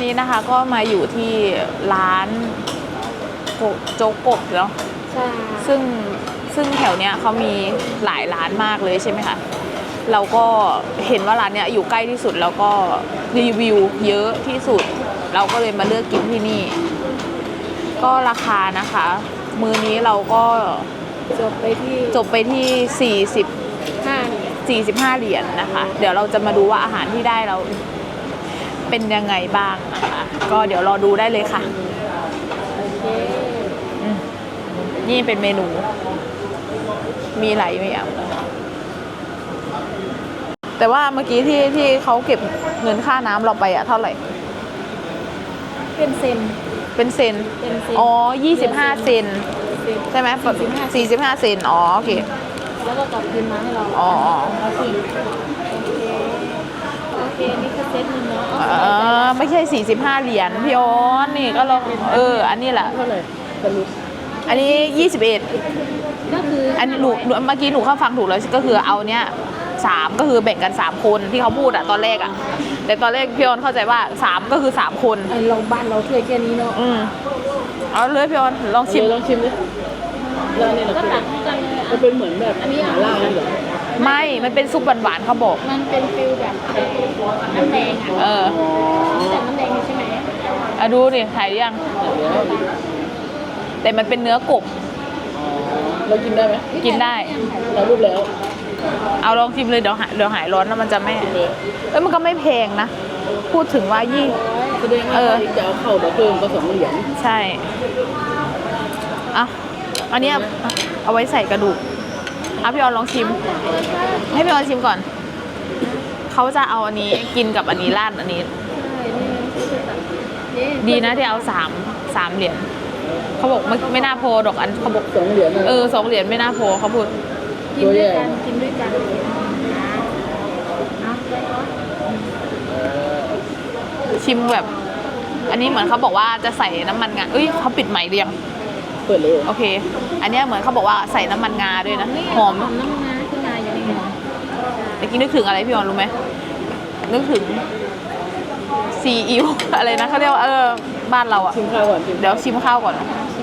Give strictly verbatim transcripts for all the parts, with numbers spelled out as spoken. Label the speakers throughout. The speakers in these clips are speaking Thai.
Speaker 1: นี้นะคะก็มาอยู่ที่ร้านโจ๊กกบเนาะ
Speaker 2: ใช่
Speaker 1: ซึ่งซึ่งแถวเนี้ยเขามีหลายร้านมากเลยใช่ไหมคะเราก็เห็นว่าร้านเนี้ยอยู่ใกล้ที่สุดแล้วก็รีวิวเยอะที่สุดเราก็เลยมาเลือกกินที่นี่ก็ราคานะคะมื้อนี้เราก็
Speaker 2: จบไปที่
Speaker 1: จบไปที่สี่สิบ
Speaker 2: ห้า
Speaker 1: สี่สิบห้าเหรียญนะคะเดี๋ยวเราจะมาดูว่าอาหารที่ได้เราเป็นยังไงบ้างนะคะก็เดี๋ยวรอดูได้เลยค่ะ
Speaker 2: โอเค
Speaker 1: นี่เป็นเมนูมีหลายอย่างแต่ว่าเมื่อกี้ที่ที่เขาเก็บเงินค่าน้ำเราไปอะเท่าไหร่
Speaker 2: เป็นเซน
Speaker 1: เป็นเซน
Speaker 2: เป็นเซน
Speaker 1: อ๋อยี่สิบห้าเซนใช่ไหมสี่สิบห้าเซนอ๋อโอเค
Speaker 2: แล้วก็กลับคืนมาให้เรา
Speaker 1: อ๋อ
Speaker 2: โอเคโอเคนี่คือเซตหนึ่งเนาะ
Speaker 1: เออไม่ใช่สี่สิบห้าเหรียญพี่ออนนี่ก็ลองเอออันนี้แหละ
Speaker 2: เท่าไหร่สรุป
Speaker 1: อันนี้ยี่สิบเอ็ด
Speaker 2: ก็คือ
Speaker 1: อันหนูเมื่อกี้หนูเข้าฟังถูกแล้วก็คือเอาเนี้ยสามก็คือแบ่งกันสามคนที่เขาพูดอะตอนแรกอะแต่ตอนแรกพี่ออนเข้าใจว่าสามก็คือสามคน
Speaker 2: เราบ้านเราถ้วยแค่นี้เนาะ
Speaker 1: อืมเอาเลยพี่ออนลองชิม
Speaker 3: ลองชิมดิแล้วนี่
Speaker 2: ก็ตักให้กันเลย
Speaker 3: มันเป็นเหมือนแบบหม่าล่าเหรอ
Speaker 1: ไม่มันเป็นซุปหวานๆเขาบอก
Speaker 2: มันเป็นฟิลแบบน้ำแดงอะ
Speaker 1: เออ
Speaker 2: แต่น้ำแดงใช่ไหม
Speaker 1: อ่ะดูดิถ่ายยังแต่มันเป็นเนื้อกบ
Speaker 3: เรากินได้ไหม
Speaker 1: กินได้
Speaker 3: เรารูปแล้ว
Speaker 1: เอาลองชิมเลยเดี๋ยวหายเดี๋ยวหายร้อนแล้วมันจะไม่เอ้ยมันก็ไม่แพงนะพูดถึงว่ายี่
Speaker 3: แสดงว่าจะเอาเข้าแบบเพิ่มก็สองเหรียญ
Speaker 1: ใช่อ่ะอันนี้เอาไว้ใส่กระดูกเอาพี่ออนลองชิมให้พี่ออนชิมก่อนเขาจะเอาอันนี้กินกับอันนี้ราดอันนี้ดีนะที่เอาสามสามเหรียญเขาบอกไม่ไม่น่าพอดอกอันเขาบอก
Speaker 3: สองเหรียญ
Speaker 1: เออสองเหรียญไม่น่าพอเขาพูด
Speaker 2: กินด้วยกันกินด้วยกัน
Speaker 1: ชิมแบบอันนี้เหมือนเขาบอกว่าจะใส่น้ำมันงาเอ้ยเขาปิดใหม่เรียง
Speaker 3: เปิดเลย
Speaker 1: โอเคอันนี้เหมือนเขาบอกว่าใส่น้ำมันงาด้วยนะหอม
Speaker 2: น้ำมันงาขึ้นมาอย่างนี้
Speaker 1: เมื่อกี้นึกถึงอะไรพี่ออนรู้ไหมนึกถึงซีอิ๊วอะไรนะเขาเรียกว่าเออบ้านเราอ่ะ
Speaker 3: ชิมข้าวก่อน
Speaker 1: เดี๋ยวชิมข้าวก่อน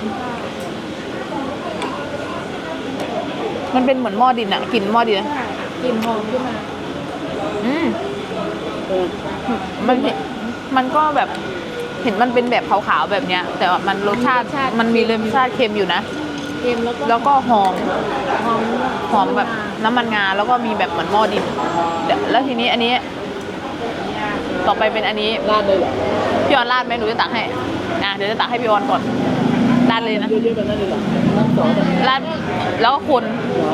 Speaker 1: มันเป็นเหมือนหม้อดินอะกลิ่นหม้อดิน
Speaker 2: กลิ่นหอมขึ้นมา
Speaker 1: อืมมันมันก็แบบเห็นมันเป็นแบบขาวๆแบบเนี้ยแต่ว่ามันรสชาติมันมีรสชาติเค็มอยู่นะ
Speaker 2: เค็มแล้วก็
Speaker 1: แล้วก็หอม
Speaker 2: หอม
Speaker 1: หอมแบบน้ำมันงาแล้วก็มีแบบเหมือนหม้อดินแล้วทีนี้อันนี้ต่อไปเป็นอันนี้
Speaker 3: ราดเลยเหรอ
Speaker 1: พี่ออนราดไหมหนูจะตักให้นะเดี๋ยวจะตักให้พี่ออนก่อนราดเลยนะ
Speaker 3: เยอะๆแบบนั้นเลยเหรอน้ำซอส
Speaker 1: ราดแล้วก็คน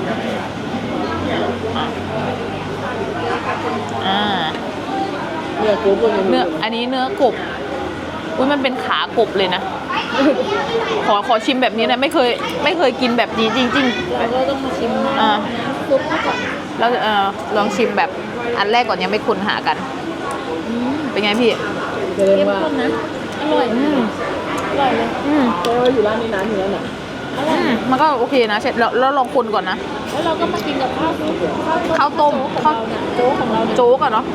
Speaker 1: อ่า
Speaker 3: เนื้อกบ
Speaker 1: เนื้ออันนี้เนื้อกบอุ้ยมันเป็นขากบเลยนะขอขอชิมแบบนี้นะไม่เคยไม่เคยกินแบบนี้จริงๆ
Speaker 2: เราก็ต้องมาชิม
Speaker 1: อ่า
Speaker 2: ซุปก่อน
Speaker 1: แล้วเออลองชิมแบบอันแรกก่อนยังไม่คุ้นหากันเป็นไงพี่
Speaker 2: เข้มข้นนะอร่อยอืมอร่อยเลย
Speaker 1: อืม
Speaker 3: แต่ว่าอยู่ร้านนี้นานอยู่แล้วน่ะ
Speaker 1: อืมมันก็โอเคนะเสร็จแล้วแล้วลองคนก่อนนะ
Speaker 2: แล้วเราก็มากินกับข้าว
Speaker 1: ข้าวต้ม
Speaker 2: ข้าวโจ๊กของเรา
Speaker 1: โจ๊กอะเนาะ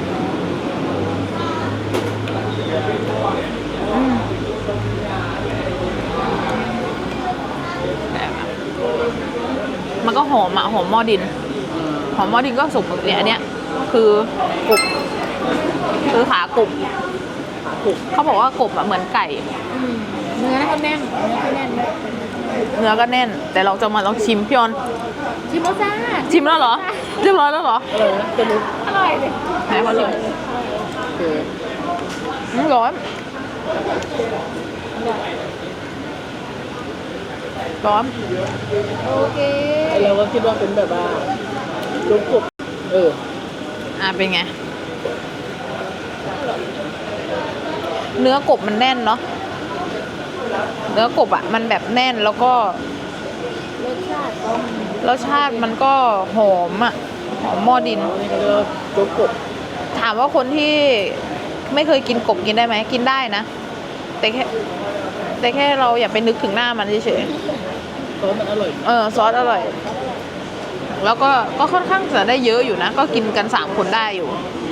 Speaker 1: มันก็หอมอะหอมหม้อดินหอมหม้อดินก็สุกเนี่ยอันเนี้ยคือกบคือขากบเขาบอกว่ากบอะเหมือนไก่
Speaker 2: เนื้อก็แน่นเนื้อก็แน่น
Speaker 1: เนื้อก็แน่นแต่เราจะมาลองชิมพี่ออน
Speaker 2: ชิมแล้วจ้า
Speaker 1: ชิมแล้วเหรอเรียบร้อยแล้วเหรอ
Speaker 3: เออจะรู้
Speaker 2: อร่อยเลย
Speaker 1: ไหนขอชิมอืมร้อนร้อน
Speaker 2: โอเค
Speaker 3: เราก็คิดว่าเป็นแบบว่าลูกกบเออ
Speaker 1: อ่ะเป็นไงเนื้อกบมันแน่นเนาะเนื้อกบอ่ะมันแบบแน่นแล้วก็
Speaker 2: รสชาติ
Speaker 1: รสชาติมันก็หอมอ่ะหอมหม้อดิน
Speaker 3: นี่ก็เรียกลูกกบ
Speaker 1: ถามว่าคนที่ไม่เคยกินกบกินได้ไหมกินได้นะแต่แค่แต่แค่เราอย่าไปนึกถึงหน้ามันเฉย
Speaker 3: ๆซอสมันอร่อย
Speaker 1: เออซอสอร่อยแล้วก็ก็ค่อนข้างจะได้เยอะอยู่นะก็กินกันสามคนได้อยู่